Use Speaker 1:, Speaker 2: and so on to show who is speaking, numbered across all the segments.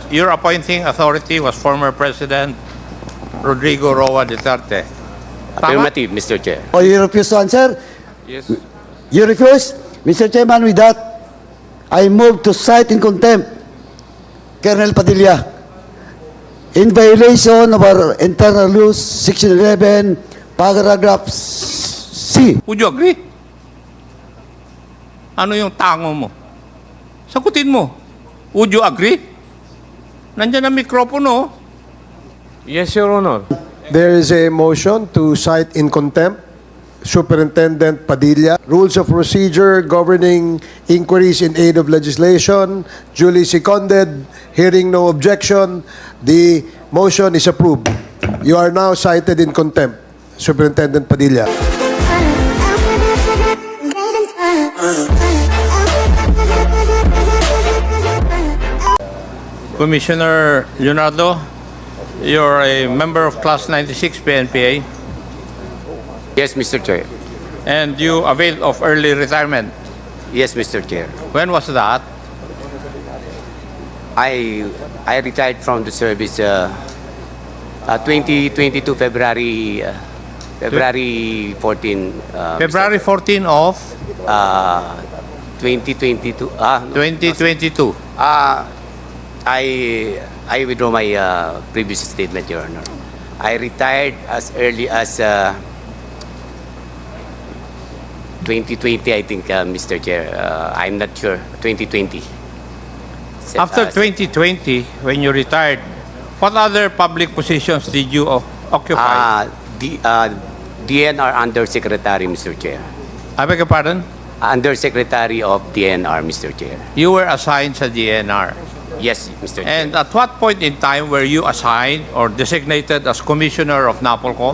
Speaker 1: your appointing authority was former President Rodrigo Roa Duterte.
Speaker 2: Affirmative, Mr. Chair.
Speaker 3: Oh, you refuse to answer?
Speaker 1: Yes.
Speaker 3: You refuse? Mr. Chairman, with that, I move to cite in contempt Colonel Padilla in violation of our internal rules, Section 11, paragraph C.
Speaker 1: Would you agree? Ano yung tango mo? Sagutin mo. Would you agree? Nandiyan ang mikropono.
Speaker 4: Yes, Your Honor.
Speaker 5: There is a motion to cite in contempt Superintendent Padilla. Rules of procedure governing inquiries in aid of legislation, duly seconded, hearing no objection. The motion is approved. You are now cited in contempt, Superintendent Padilla.
Speaker 1: Commissioner Leonardo, you're a member of Class 96 PNPA
Speaker 2: Yes, Mr. Chair.
Speaker 1: and you availed of early retirement.
Speaker 2: Yes, Mr. Chair.
Speaker 1: When was that?
Speaker 2: I retired from the service 2022 February 14.
Speaker 1: February 14 of
Speaker 2: 2022.
Speaker 1: 2022.
Speaker 2: I withdraw my previous statement, Your Honor. I retired as early as 2020, I think, Mr. Chair. I'm not sure. 2020.
Speaker 1: After 2020, when you retired, what other public positions did you occupy?
Speaker 2: DNR Undersecretary, Mr. Chair.
Speaker 1: I beg your pardon?
Speaker 2: Undersecretary of DNR, Mr. Chair.
Speaker 1: You were assigned sa DNR.
Speaker 2: Yes, Mr. Chair.
Speaker 1: And at what point in time were you assigned or designated as Commissioner of NAPOLCOM?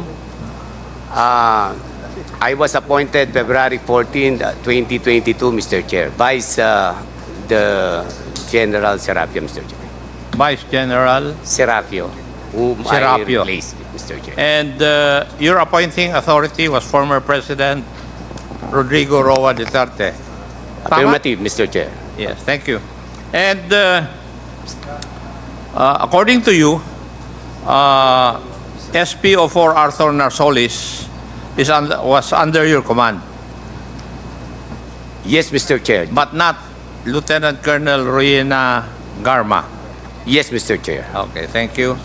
Speaker 2: I was appointed February 14, 2022, Mr. Chair, Vice the General Serapio, Mr. Chair.
Speaker 1: Vice General.
Speaker 2: Serapio, whom
Speaker 1: Serapio.
Speaker 2: I replaced, Mr. Chair.
Speaker 1: And your appointing authority was former President Rodrigo Roa Duterte. Tama?
Speaker 2: Affirmative, Mr. Chair.
Speaker 1: Yes, thank you. And according to you, SPO4 Arthur Narsolis was under your command,
Speaker 2: Yes, Mr. Chair.
Speaker 1: but not Lieutenant Colonel Ruina Garma.
Speaker 2: Yes, Mr. Chair.
Speaker 1: Okay, thank you.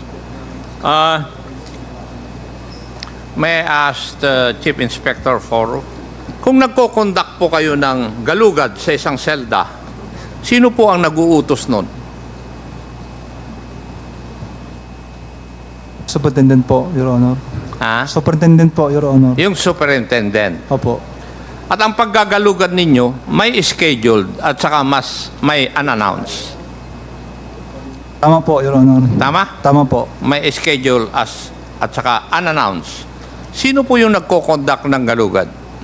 Speaker 1: May I ask Chief Inspector Foro, kung nagko-conduct po kayo ng galugad sa isang selda, sino po ang nag-uutos nun?
Speaker 6: Superintendent po, Your Honor.
Speaker 1: Ha?
Speaker 6: Superintendent po, Your Honor.
Speaker 1: Yung superintendent.
Speaker 6: Opo.
Speaker 1: At ang paggagalugad ninyo, may scheduled at saka may unannounced.
Speaker 6: Tama po, Your Honor.
Speaker 1: Tama?
Speaker 6: Tama po.
Speaker 1: May schedule at saka unannounced. Sino po yung nagko-conduct ng galugad?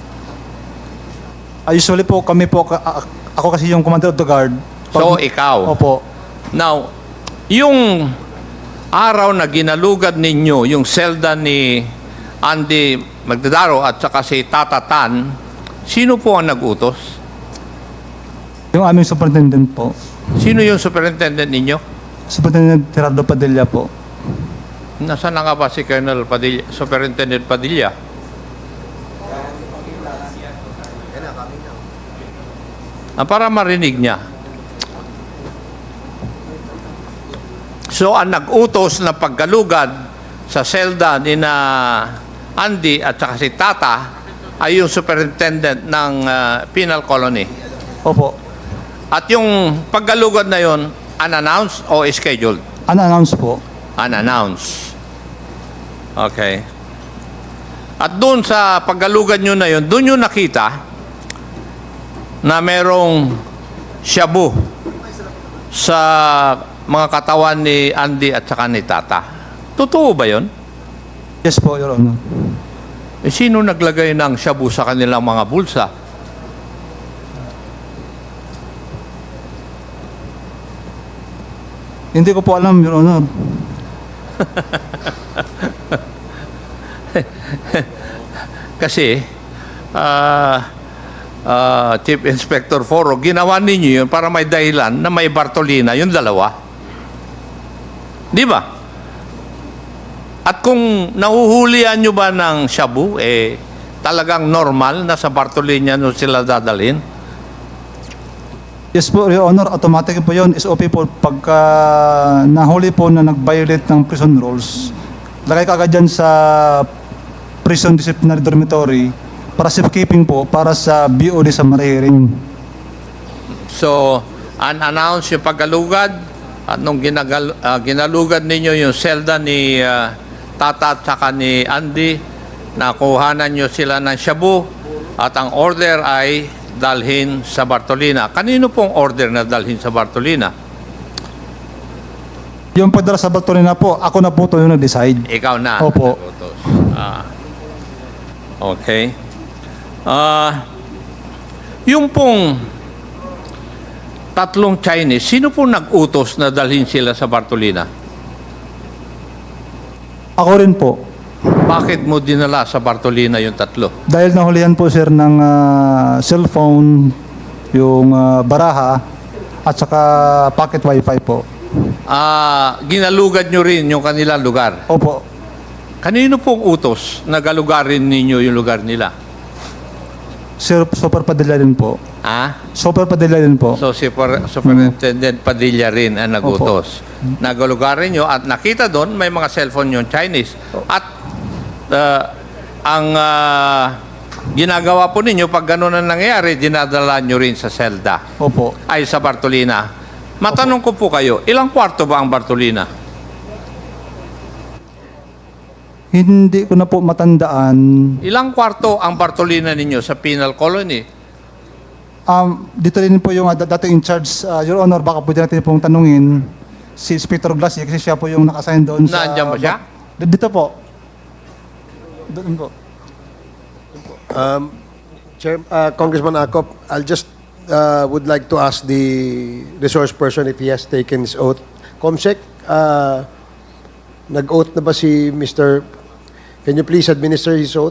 Speaker 6: Usually po, kami po, ako kasi yung commander of the guard.
Speaker 1: So, ikaw.
Speaker 6: Opo.
Speaker 1: Now, yung araw na ginalugad ninyo, yung selda ni Andy Magdadaro at saka si Tata Tan, sino po ang nag-utos?
Speaker 6: Yung aming superintendent po.
Speaker 1: Sino yung superintendent ninyo?
Speaker 6: Superintendent Gerardo Padilla po.
Speaker 1: Nasaan na nga ba si Colonel Padilla, Superintendent Padilla? Para marinig niya. So, ang nag-utos na paggalugad sa selda ni na Andy at saka si Tata ay yung superintendent ng penal colony.
Speaker 6: Opo.
Speaker 1: At yung paggalugad na yon, unannounced o scheduled?
Speaker 6: Unannounced po.
Speaker 1: Unannounced. Okay. At doon sa paggalugad nyo na yon, doon nyo nakita na merong shabu sa mga katawan ni Andy at saka ni Tata. Totoo ba yon?
Speaker 6: Yes po, Your Honor.
Speaker 1: Eh, sino naglagay ng shabu sa kanilang mga bulsa?
Speaker 6: Hindi ko po alam, Your Honor.
Speaker 1: Kasi, Chief Inspector Foro, ginawa ninyo yun para may dahilan na may Bartolina, yung dalawa. Di ba? At kung nahuhulihan nyo ba ng shabu, talagang normal na sa Bartolina nyo sila dadalhin?
Speaker 6: Yes po, Your Honor. Automatic po yun. SOP po. Pagka nahuli po na nag-violate ng prison rules, lagay ka agad dyan sa prison disciplinary dormitory para safekeeping po, para sa BOD sa marihiring.
Speaker 1: So, unannounced yung paggalugad at nung ginalugad ninyo yung selda ni Tata at saka ni Andy, nakuhanan nyo sila ng shabu at ang order ay dalhin sa Bartolina. Kanino pong order na dalhin sa Bartolina?
Speaker 6: Yung pagdala sa Bartolina po, ako na po ito yung nag-decide.
Speaker 1: Ikaw na.
Speaker 6: Opo.
Speaker 1: Okay. Yung pong tatlong Chinese, sino po nag-utos na dalhin sila sa Bartolina?
Speaker 6: Ako rin po.
Speaker 1: Bakit mo dinala sa Bartolina yung tatlo?
Speaker 6: Dahil nahulihan po sir ng cellphone, yung baraha, at saka pocket wifi po.
Speaker 1: Ginalugad nyo rin yung kanilang lugar.
Speaker 6: Opo.
Speaker 1: Kanino pong utos na galugarin ninyo yung lugar nila?
Speaker 6: Sir, Super Padilla rin po. Super Padilla rin po.
Speaker 1: So, si Superintendent Padilla rin ang nagutos. Nagalugarin nyo at nakita doon may mga cellphone yung Chinese. At ang ginagawa po ninyo pag gano'n ang nangyayari, dinadala nyo rin sa selda.
Speaker 6: Opo.
Speaker 1: Ay sa Bartolina. Matanong ko po kayo, ilang kwarto ba ang Bartolina?
Speaker 6: Hindi ko na po matandaan.
Speaker 1: Ilang kwarto ang Bartolina ninyo sa penal colony?
Speaker 6: Dito rin po yung dating in charge, Your Honor, baka pwede natin pong tanungin si Inspector Glassy kasi siya po yung naka-assign doon sa...
Speaker 1: Nandiyan ba siya?
Speaker 6: Dito po. Doon po.
Speaker 5: Congressman Acop, I'll just would like to ask the resource person if he has taken his oath. Comsec, nag-oath na ba si Mr. Can you please administer his oath?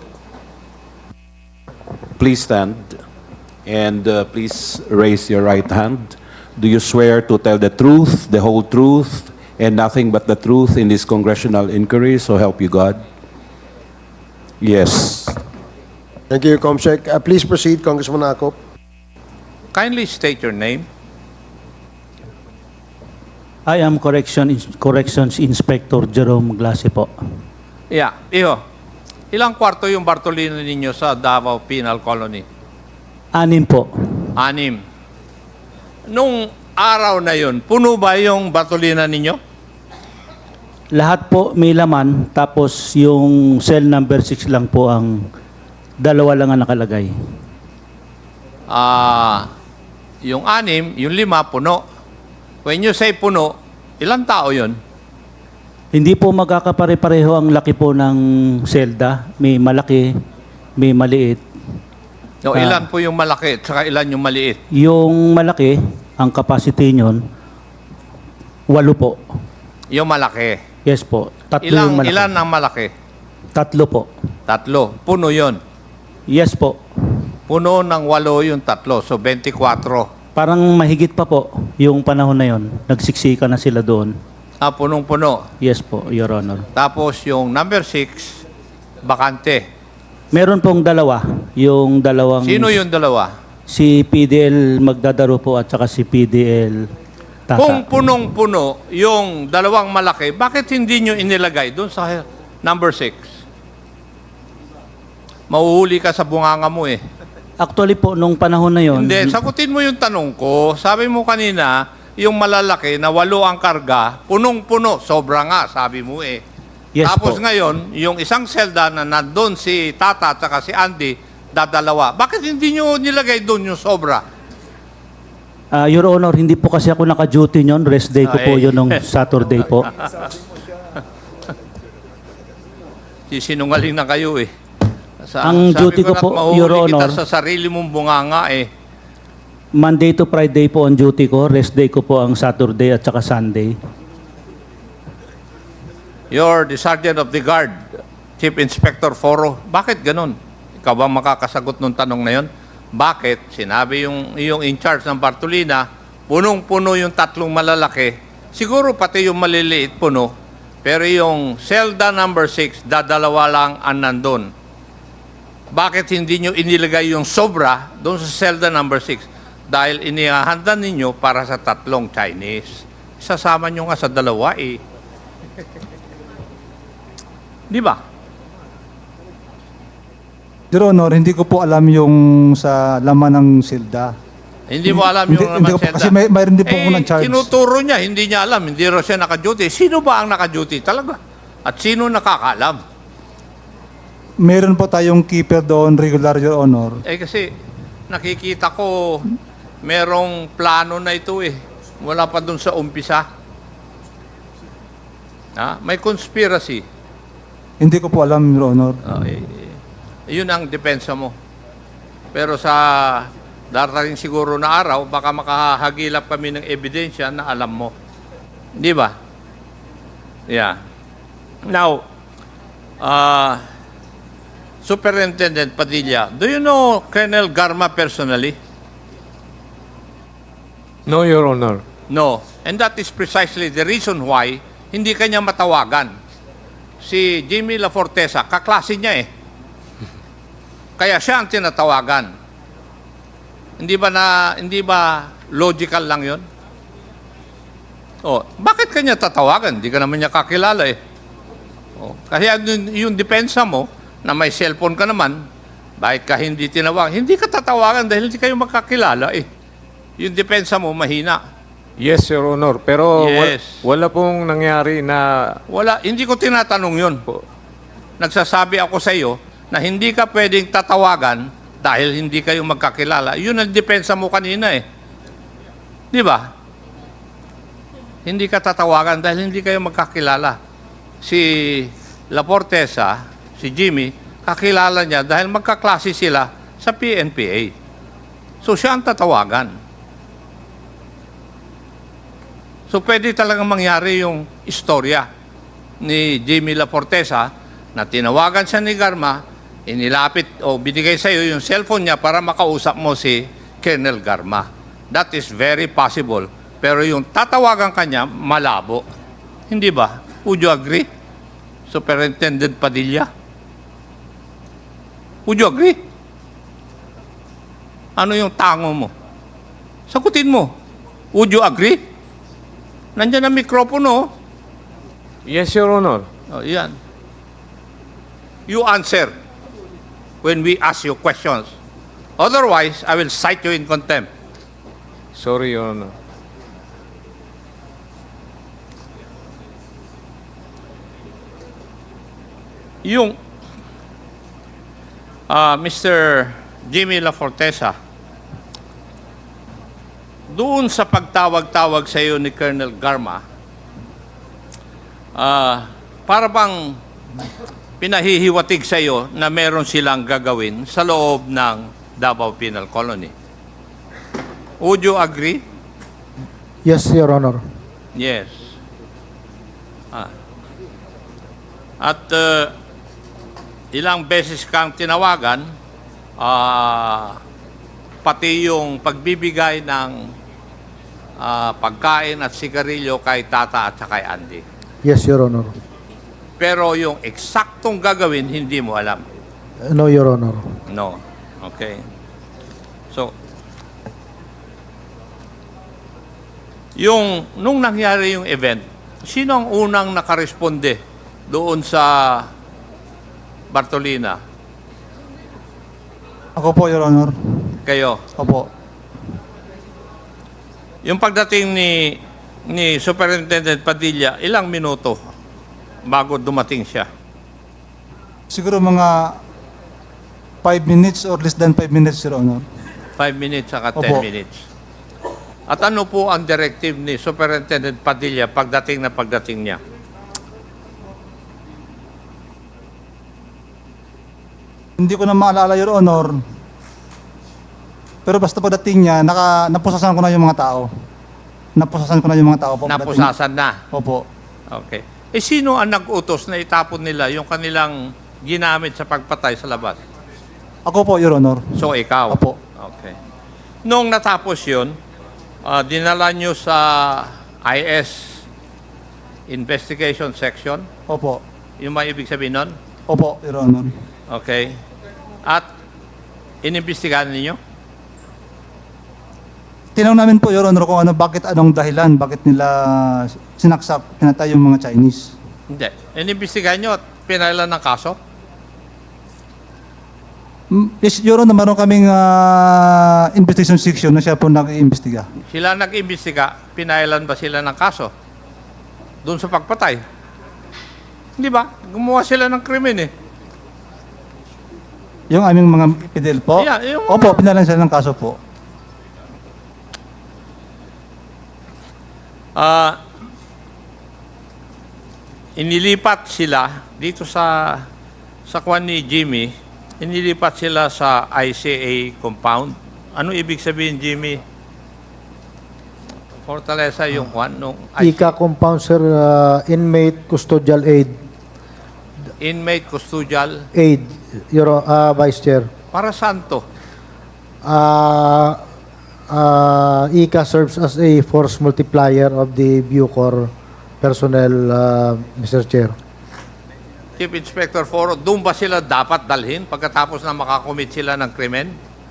Speaker 7: Please stand and please raise your right hand. Do you swear to tell the truth, the whole truth, and nothing but the truth in this congressional inquiry? So help you God. Yes.
Speaker 5: Thank you, Comsec. Please proceed, Congressman Acop.
Speaker 1: Kindly state your name.
Speaker 8: I am Corrections Inspector Jerome Glassy po.
Speaker 1: Yeah, iho. Ilang kwarto yung Bartolina ninyo sa Davao Penal Colony?
Speaker 8: 6 po.
Speaker 1: 6. Nung araw na yun, puno ba yung Bartolina ninyo?
Speaker 8: Lahat po may laman, tapos yung cell number 6 lang po ang 2 lang ang nakalagay.
Speaker 1: Yung 6, yung 5, puno. When you say puno, ilang tao yun?
Speaker 8: Hindi po magkakapare-pareho ang laki po ng selda. May malaki, may maliit.
Speaker 1: No, ilan po yung malaki at saka ilan yung maliit?
Speaker 8: Yung malaki, ang capacity nyon, 8 po.
Speaker 1: Yung malaki.
Speaker 8: Yes po. 3 yung malaki.
Speaker 1: Ilan ang malaki?
Speaker 8: 3 po.
Speaker 1: 3. Puno yon.
Speaker 8: Yes po.
Speaker 1: Puno ng 8 yung 3. So, 24.
Speaker 8: Parang mahigit pa po yung panahon na yon. Nagsiksika na sila doon.
Speaker 1: Punong-puno.
Speaker 8: Yes po, Your Honor.
Speaker 1: Tapos yung number 6, bakante.
Speaker 8: Meron pong 2. Yung dalawang...
Speaker 1: Sino yung dalawa?
Speaker 8: Si PDL Magdadaro po at saka si PDL Tata.
Speaker 1: Kung punong-puno yung dalawang malaki, bakit hindi nyo inilagay doon sa number 6? Mahuhuli ka sa bunganga mo eh.
Speaker 8: Actually po, nung panahon na yon,
Speaker 1: Hindi, sagutin mo yung tanong ko. Sabi mo kanina, yung malalaki na 8 ang karga, punong-puno, sobra nga, sabi mo eh.
Speaker 8: Yes
Speaker 1: Tapos
Speaker 8: po.
Speaker 1: ngayon, yung isang selda na nandun si Tata at saka si Andy, dadalawa. Bakit hindi nyo nilagay doon yung sobra?
Speaker 8: Your Honor, hindi po kasi ako naka-duty nyon. Rest day ko po yun nung Saturday po.
Speaker 1: Sinungaling na kayo eh.
Speaker 8: Ang duty ko po, Your Honor,
Speaker 1: kita sa sarili mong bunganga eh.
Speaker 8: Monday to Friday po ang duty ko. Rest day ko po ang Saturday at saka Sunday.
Speaker 1: You're the Sergeant of the Guard, Chief Inspector Foro. Bakit ganun? Ikaw ba makakasagot nung tanong na yon? Bakit? Sinabi yung in charge ng Bartolina, punong-puno yung 3 malalaki, Siguro pati yung maliliit puno, pero yung selda number 6, dadalawa lang ang nandun. Bakit hindi nyo inilagay yung sobra doon sa selda number 6? Dahil inihahanda ninyo para sa 3 Chinese. Isasama nyo nga sa 2 eh. Di ba?
Speaker 6: Your Honor, hindi ko po alam yung sa laman ng silda.
Speaker 1: Hindi mo alam yung
Speaker 6: Hindi ko po,
Speaker 1: selda.
Speaker 6: kasi mayroon din po ako ng charge.
Speaker 1: Tinuturo niya, hindi niya alam. Hindi raw siya naka-duty. Sino ba ang naka-duty talaga? At sino nakakaalam?
Speaker 6: Meron po tayong keeper doon, regular, Your Honor.
Speaker 1: Kasi nakikita ko merong plano na ito eh. Wala pa dun sa umpisa. May conspiracy.
Speaker 6: Hindi ko po alam, Your Honor.
Speaker 1: Yun ang depensa mo. Pero sa darating siguro na araw, baka makahagilap kami ng ebidensya na alam mo. Di ba? Yeah. Now, Superintendent Padilla, do you know Colonel Garma personally?
Speaker 4: No, Your Honor.
Speaker 1: No. And that is precisely the reason why hindi kanya matawagan. Si Jimmy La Fortesa, kaklase niya eh. Kaya siya ang tinatawagan. Hindi ba logical lang 'yon? Bakit kanya tatawagan? Hindi ka naman niya kakilala eh. Kaya yung depensa mo na may cellphone ka naman, bakit ka hindi tinawag? Hindi ka tatawagan dahil hindi kayo magkakilala eh. Yung depensa mo mahina.
Speaker 4: Yes, Your Honor. Pero
Speaker 1: Yes.
Speaker 4: wala pong nangyari na...
Speaker 1: Wala, hindi ko tinatanong 'yon. Nagsasabi ako sa iyo na hindi ka pwedeng tatawagan dahil hindi kayo magkakilala. Yun ang depensa mo kanina eh. Di ba? Hindi ka tatawagan dahil hindi kayo magkakilala. Si La Fortesa, si Jimmy, kakilala niya dahil magkaklase sila sa PNPA. So siya ang tatawagan. So pwede talagang mangyari yung istorya ni Jimmy La Fortesa na tinawagan siya ni Garma, inilapit o binigay sa iyo yung cellphone niya para makausap mo si Colonel Garma. That is very possible. Pero yung tatawagan kanya, malabo. Hindi ba? Would you agree? Superintendent Padilla? Would you agree? Ano yung tango mo? Sagutin mo. Would you agree? Nandiyan ang mikropono.
Speaker 4: Yes, Your Honor.
Speaker 1: Yan. You answer when we ask you questions. Otherwise, I will cite you in contempt.
Speaker 4: Sorry, Your Honor.
Speaker 1: Yung Mr. Jimmy La Fortesa, doon sa pagtawag-tawag sa iyo ni Colonel Garma, para bang pinahihiwatig sa iyo na meron silang gagawin sa loob ng Davao Penal Colony. Would you agree?
Speaker 9: Yes, Your Honor.
Speaker 1: Yes. At ilang beses kang tinawagan, pati yung pagbibigay ng pagkain at sigarilyo kay Tata at kay Andy.
Speaker 9: Yes, Your Honor.
Speaker 1: Pero yung eksaktong gagawin, hindi mo alam.
Speaker 9: No, Your Honor.
Speaker 1: No. Okay. So, nung nangyari yung event, sino ang unang nakaresponde doon sa Bartolina?
Speaker 6: Ako po, Your Honor.
Speaker 1: Kayo.
Speaker 6: Opo.
Speaker 1: Yung pagdating ni Superintendent Padilla, ilang minuto bago dumating siya?
Speaker 6: Siguro mga 5 minutes or less than 5 minutes, Your Honor.
Speaker 1: 5 minutes saka 10
Speaker 6: Opo.
Speaker 1: minutes. At ano po ang directive ni Superintendent Padilla pagdating niya?
Speaker 6: Hindi ko na maalala, Your Honor. Pero basta pagdating niya, napusasan ko na yung mga tao. Napusasan ko na yung mga tao po. pagdating-
Speaker 1: Napusasan na.
Speaker 6: Opo.
Speaker 1: Okay. Sino ang nag-utos na itapon nila yung kanilang ginamit sa pagpatay sa labas?
Speaker 6: Ako po, Your Honor.
Speaker 1: So, ikaw?
Speaker 6: Opo.
Speaker 1: Okay. Noong natapos yun, dinala nyo sa IS investigation section.
Speaker 6: Opo.
Speaker 1: Yung may ibig sabihin nun?
Speaker 6: Opo, Your Honor.
Speaker 1: Okay. At inimbestigahan ninyo?
Speaker 6: Tinanong namin po, Your Honor, kung anong dahilan, bakit nila sinaksak, pinatay yung mga Chinese.
Speaker 1: Hindi. Inimbestigahan nyo at pinailan ng kaso?
Speaker 6: Yes, Your Honor, meron kaming investigation section na siya po nag-iimbestiga.
Speaker 1: Sila nag-imbestiga, pinailan ba sila ng kaso? Doon sa pagpatay? Hindi ba? Gumawa sila ng krimen eh.
Speaker 6: Yung aming mga PDL po?
Speaker 1: Yeah, yung-
Speaker 6: Opo, pinalan sila ng kaso po.
Speaker 1: Inilipat sila dito sa kwan ni Jimmy, inilipat sila sa ICA compound. Ano ibig sabihin, Jimmy? Fortaleza yung kwan nung
Speaker 9: ICA compound, sir, inmate custodial aid.
Speaker 1: inmate custodial.
Speaker 9: Aid, Vice Chair.
Speaker 1: Para saan to?
Speaker 9: ICA serves as a force multiplier of the Bucor personnel, Mr. Chair.
Speaker 1: Chief Inspector Foro, doon ba sila dapat dalhin pagkatapos na makakomit sila ng krimen?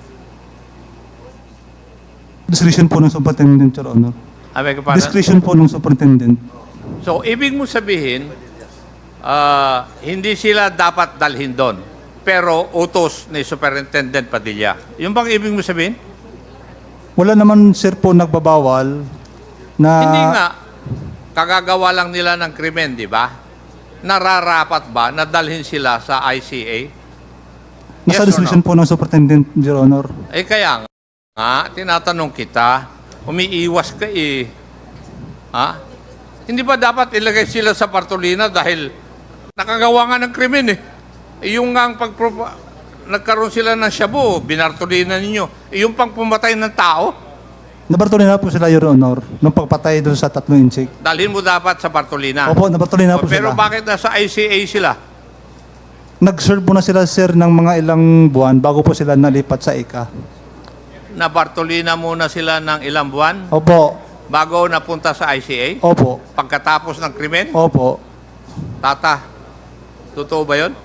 Speaker 6: Discretion po ng superintendent, Your Honor.
Speaker 1: Abay ka pa.
Speaker 6: Discretion po ng superintendent.
Speaker 1: So, ibig mo sabihin, hindi sila dapat dalhin doon. Pero utos ni Superintendent Padilla. Yung bang ibig mo sabihin?
Speaker 6: Wala naman, sir, po nagbabawal na...
Speaker 1: Hindi nga. Kagagawa lang nila ng krimen, di ba? Nararapat ba na dalhin sila sa ICA?
Speaker 6: Nasa
Speaker 1: Yes or
Speaker 6: discretion
Speaker 1: no?
Speaker 6: po ng superintendent, Your Honor.
Speaker 1: Eh kaya nga, tinatanong kita, umiiwas ka eh. Ha? Hindi ba dapat ilagay sila sa partolina dahil nakagawa nga ng krimen eh? Yung nga ang nagkaroon sila ng shabu, binartolina ninyo. Yung pang pumatay ng tao,
Speaker 6: Nabartuloy na po sila, Your Honor, nung pagpatay doon sa 3 insik.
Speaker 1: dalhin mo dapat sa partolina.
Speaker 6: Opo, nabartuloy na po
Speaker 1: Pero
Speaker 6: sila.
Speaker 1: bakit nasa ICA sila?
Speaker 6: Nag-serve po na sila, sir, ng mga ilang buwan bago po sila nalipat sa ICA.
Speaker 1: Na partolina muna sila ng ilang buwan
Speaker 6: Opo,
Speaker 1: bago napunta sa ICA?
Speaker 6: opo,
Speaker 1: Pagkatapos ng krimen?
Speaker 6: opo.
Speaker 1: Tata, totoo ba yun?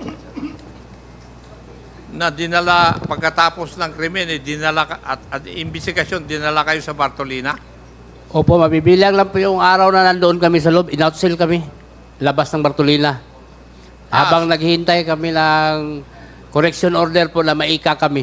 Speaker 1: Na dinala, pagkatapos ng krimen, dinala, at imbestigasyon, dinala kayo sa Bartolina?
Speaker 10: Opo, mabibilang lang po yung araw na nandoon kami sa loob. In-outsell kami. Labas ng Bartolina. Habang naghihintay kami ng correction order po na maika kami.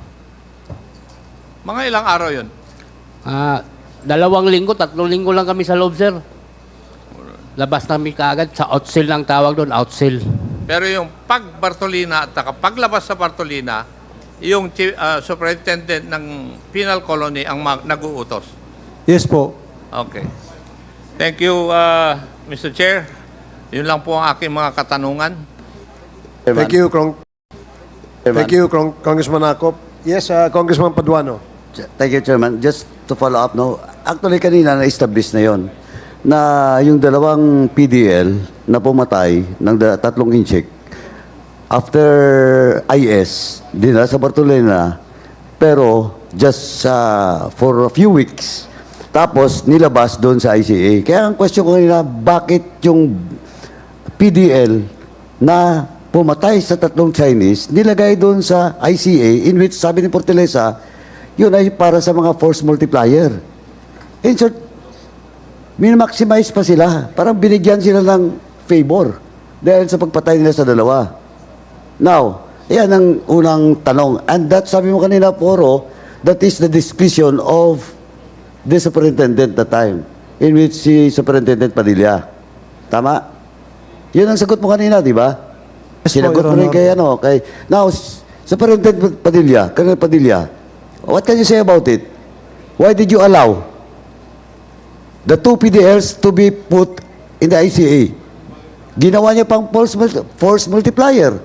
Speaker 1: Mga ilang araw yun?
Speaker 10: 2 linggo, 3 linggo lang kami sa loob, sir. Labas namin kaagad. Sa outsell lang tawag doon, outsell.
Speaker 1: Pero yung pag-Bartolina at paglabas sa Bartolina, yung superintendent ng penal colony ang nag-uutos.
Speaker 6: Yes po.
Speaker 1: Okay. Thank you, Mr. Chair. Yun lang po ang aking mga katanungan.
Speaker 5: Thank you, Congressman Acop. Yes, Congressman Paduano.
Speaker 3: Thank you, Chairman. Just to follow up, no? Actually, kanina na-establish na yon na yung dalawang PDL na pumatay ng 3 inchik after IS, dinala sa Bartolina, pero just for a few weeks. Tapos, nilabas doon sa ICA. Kaya ang question ko kanina, bakit yung PDL na pumatay sa 3 Chinese, nilagay doon sa ICA, in which sabi ni Fortaleza, yun ay para sa mga force multiplier. In short, min-maximize pa sila. Parang binigyan sila ng favor dahil sa pagpatay nila sa dalawa. Now, yan ang unang tanong. And that, sabi mo kanina, Poro, that is the discretion of the superintendent that time, in which si Superintendent Padilla. Tama? Yun ang sagot mo kanina, di ba?
Speaker 6: Yes po,
Speaker 3: Sinagot
Speaker 6: Your
Speaker 3: mo rin
Speaker 6: Honor.
Speaker 3: kay, now, Superintendent Padilla, Colonel Padilla, what can you say about it? Why did you allow the 2 PDLs to be put in the ICA? Ginawa niya pang force multiplier.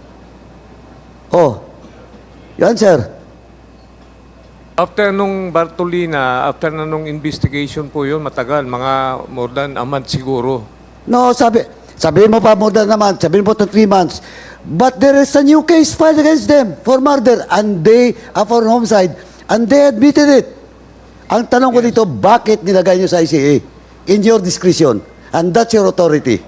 Speaker 3: Oh, yan, sir.
Speaker 4: After nung Bartolina, after na nung investigation po yun, matagal, mga more than a month siguro.
Speaker 3: No, sabihin mo pa more than a month, sabihin mo to 3 months. But there is a new case filed against them for murder and for homicide, and they admitted it. Ang tanong ko dito, bakit nilagay nyo sa ICA? In your discretion. And that's your authority.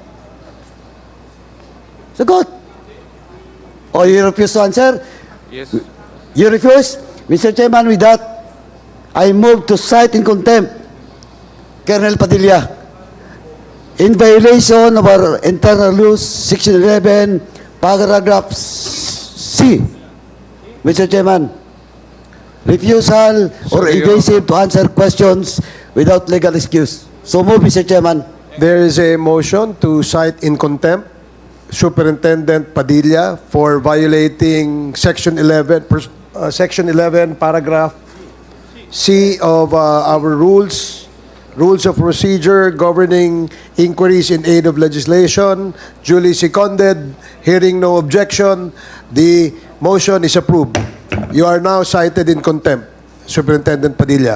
Speaker 3: Sagot. Or you refuse to answer?
Speaker 4: Yes.
Speaker 3: You refuse? Mr. Chairman, with that, I move to cite in contempt Colonel Padilla in violation of our internal rules, Section 11, paragraph C. Mr. Chairman, refusal or
Speaker 4: Sorry,
Speaker 3: evasive to answer questions without legal excuse. So move, Mr. Chairman.
Speaker 5: There is a motion to cite in contempt Superintendent Padilla for violating Section 11, paragraph C of our rules of procedure governing inquiries in aid of legislation, duly seconded. Hearing no objection, the motion is approved. You are now cited in contempt, Superintendent Padilla.